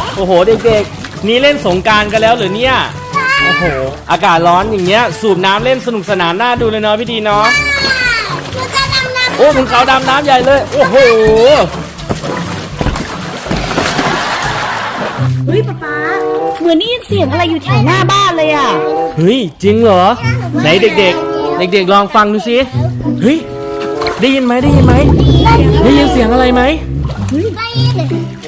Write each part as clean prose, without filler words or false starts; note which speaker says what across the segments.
Speaker 1: โอ้โหเด็กๆนี่เล่นสงกรานต์กันแล้วเหรอเนี่ยโอ้โหอากาศร้อนอย่างเงี้ยสูบน้ำเล่นสนุกสนานน่าดูเลยเนาะพี่ดีเนาะโอ้คุณเขาดำน้ำใหญ่เลยโอ้โห
Speaker 2: เฮ้ยป๊าเหมือนได้ยินเสียงอะไรอยู่แถวหน้าบ้านเลยอ่ะ
Speaker 1: เฮ้ยจริงเหรอไหนเด็กๆลองฟังดูสิเฮ้ยได้ยินไหมได้ยินเสียงอะไรไหม
Speaker 3: ได้ยิน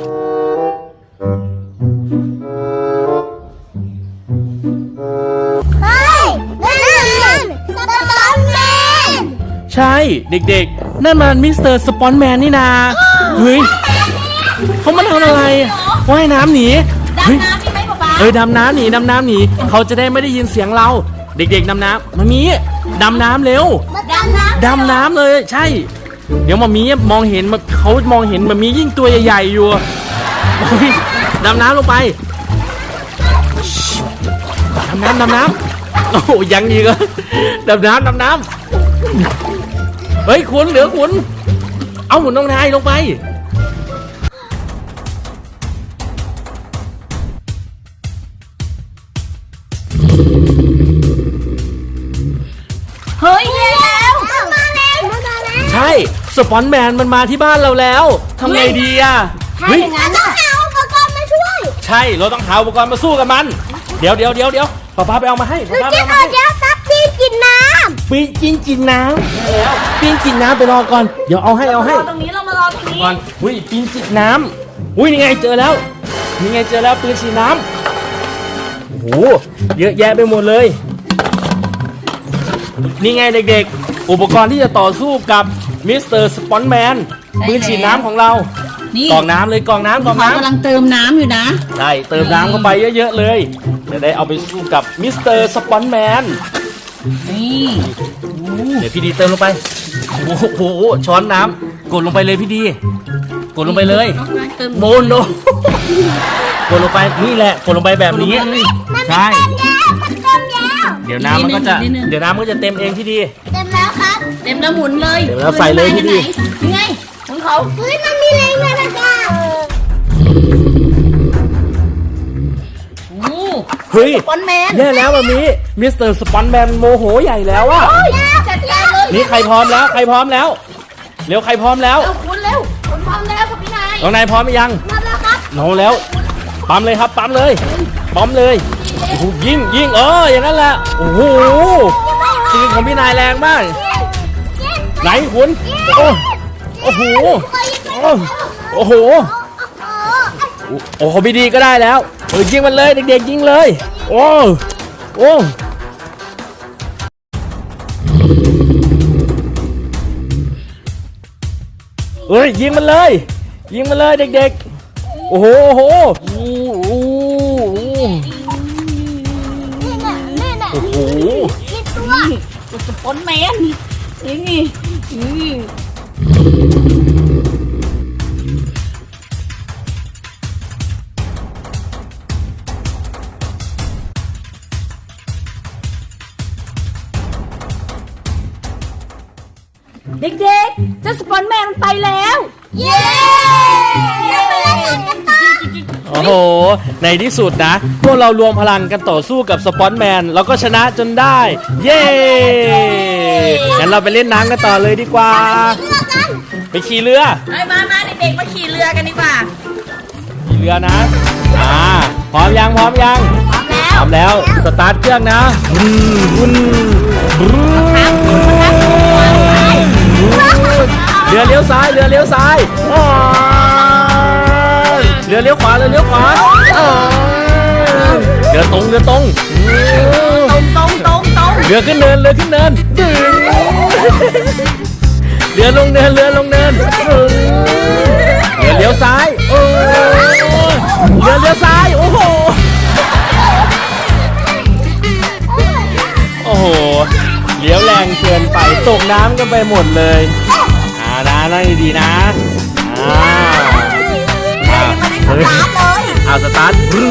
Speaker 3: เฮ้ยนั่นสปอนแมน
Speaker 1: ใช่เด็กๆนั่นมันมิสเตอร์สปอนแมนนี่นาเฮ้ยเขามาทำอะไรว่ายน้ำหนี
Speaker 2: ดำน้ำมีไหมป๊า
Speaker 1: ดำน้ำหนีเขาจะได้ไม่ได้ยินเสียงเราเด็กๆดำน้ำมามีดำน้ำเร็วดำน้ำเลยใช่เดี๋ยวมามีมองเห็นเขามองเห็นมามียิ่งตัวใหญ่ๆอยู่ดำน้ำลงไปดำน้ำโอ้ยังอีกเหรอดำน้ำเฮ้ยคุณเหลือคุณเอาหมุนน้องนายลงไป
Speaker 2: เฮ้ยแล้ว
Speaker 3: มาแล้ว
Speaker 1: ใช่สปอนแมนมันมาที่บ้านเราแล้วทำไงดีอ่ะ
Speaker 2: ถ้าอย่างนั้น
Speaker 3: ต้องหาอุปกรณ์มาช่วย
Speaker 1: ใช่เราต้องหาอุปกรณ์มาสู้กับมันเดี๋ยวป้าไปเอามาให้ป้าไปเอามาให้
Speaker 3: เดี๋ยวซับปีกินน้ำ
Speaker 1: ปีกินน้ำแล้วปีกินน้ำไปรอก่อนเดี๋ยวเอาให้
Speaker 2: ตรงนี้เรามารอตรงนี้
Speaker 1: ก่อนอุ้ยปีกินน้ำอุ้ยนี่ไงเจอแล้วปืนฉีดน้ำโอ้โหเยอะแยะไปหมดเลยนี่ไงเด็กๆอุปกรณ์ที่จะต่อสู้กับมิสเตอร์สปอนแมนปืนฉีดน้ำของเรากองน้ำกำ
Speaker 2: ลังเติมน้ำอยู่นะ
Speaker 1: ใช่เติมน้ำเข้าไปเยอะๆเลยจะได้เอาไปสู้กับมิสเตอร์สปอนแมน
Speaker 2: นี่
Speaker 1: เดี๋ยวพี่ดีเติมลงไปโอ้โหช้อนน้ำกดลงไปเลยพี่ดีกดลงไปเลยโมนโนกดลงไปนี่แหละกดลงไปแบบนี้ใช่เดี๋ยวน้ำมันก็จะเต็มเองพี่ดี
Speaker 3: เต็มแล้วครับ
Speaker 2: เต็มแล้วหมุนเลย
Speaker 1: เต็มแล้วใส่เลยพี่ดี
Speaker 2: ยังไงของเขา
Speaker 3: เฮ้ยมันมีแรงเลยนะจ๊ะ
Speaker 1: เฮ้ย
Speaker 2: สปอนแมน
Speaker 1: แย่แล้วแบบนี้มิสเตอร์สปอนแมนโมโหใหญ่แล้วอ่ะ
Speaker 2: จัดการเลย
Speaker 1: นี่ใครพร้อมแล้วเร็วใครพร้อมแล้ว
Speaker 2: คุณพร้อมแล้วครับพี่นาย
Speaker 1: น้องนายพร้อมไหมยัง
Speaker 3: พร้อมแล้วครับ
Speaker 1: น้องแล้วปั๊มเลยครับปั๊มเลยโอ้โหยิงอย่างนั้นแหละโอ้โหปืนของพี่นายแรงมากไหนคุณโอ้โหพี่ดีก็ได้แล้วยิงมันเลยเด็กๆยิงเลยโอ้ยิงมันเลยเด็กๆโอ้โห
Speaker 2: สปอนแมนนี่เด็กๆเจ้าสปอนแมนไปแล้ว
Speaker 3: เย้
Speaker 1: โอ้โหในที่สุดนะพวกเรารวมพลังกันต่อสู้กับสปอนแมนแล้วก็ชนะจนได้เย้งั้นเราไปเล่นน้ำกันต่อเลยดีกว่าไปขี่เรือ
Speaker 2: มาเด็กๆมาขี่เรือกันดีกว่า
Speaker 1: ขี่เรือนะพร้อมยังพร้อมแล้วสตาร์ทเครื่องนะเรือเลี้ยวซ้ายเรือเลี้ยวขวาเรือตรงเรือขึ้นเนินเรือลงเนินเรือเลี้ยวซ้ายเรือเลี้ยวซ้ายโอ้โหเลี้ยวแรงเกินไปตกน้ำกันไปหมดเลยนั่งดีๆนะสตาร์ท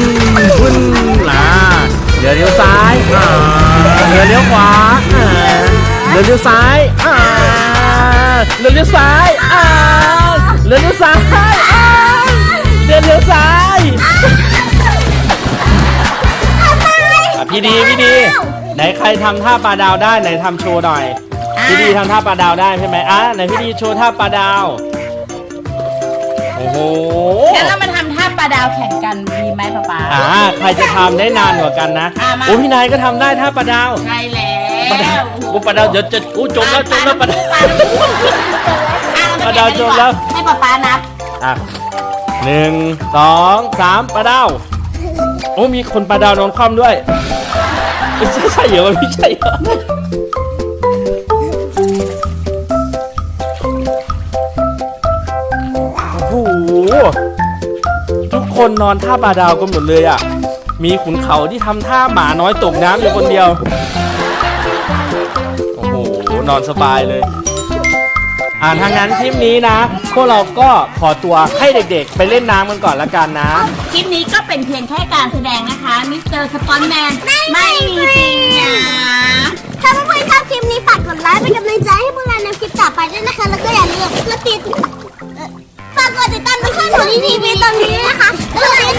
Speaker 1: เรือเลี้ยวซ้ายเรือเลี้ยวขวาเรือเลี้ยวซ้ายเรือเลี้ยวซ้ายเรือเลี้ยวซ้ายพี่ดีไหนใครทำท่าปลาดาวได้ไหนทำโชว์หน่อยพี่ดีทำท่าปลาดาวได้ใช่ไหมไหนพี่ดีโชว์ท่าปลาดาวโอ้โห
Speaker 2: งั้นเรามาทำท่าปลาดาวแข่งกันดีไหมป๊า
Speaker 1: ใครจะทำได้นานกว่ากันนะ
Speaker 2: มา
Speaker 1: โอ้พี่นายก็ทำได้ท่าปลาดาว
Speaker 2: ใช่แล้
Speaker 1: ปลาดาว
Speaker 2: ว
Speaker 1: ปลาดาวเดี๋ยวจะจมแล้วปลาดาว ปลาดาวจมแล้ว
Speaker 2: ให้ป๊านับ
Speaker 1: 1 2 3ปลาดาวโอ้มีคนปลาดาวนอนคว่ำด้วยใช่เหรอพี่ใช่เหรอโอ้โหทุกคนนอนท่าปลาดาวกันหมดเลยอ่ะมีขุนเขาที่ทำท่าหมาน้อยตกน้ำอยู่คนเดียวโอ้โหนอนสบายเลยทางนั้นคลิปนี้นะพวกเราก็ขอตัวให้เด็กๆไปเล่นน้ำกันก่อนละกันนะ
Speaker 2: คลิปนี้ก็เป็นเพียงแค่การแสดงนะคะมิสเตอร์สปอนแมนไม่มีจริงนะ
Speaker 3: ถ้าเพื่อนๆชอบคลิปนี้ฝากกดไลค์เป็นกำลังใจให้พวกเราในคลิปต่อไปด้วยนะคะ แล้วก็อย่าลืมฝากกดติดตามช่องของทีวีตรงนี้นะคะแล้วก็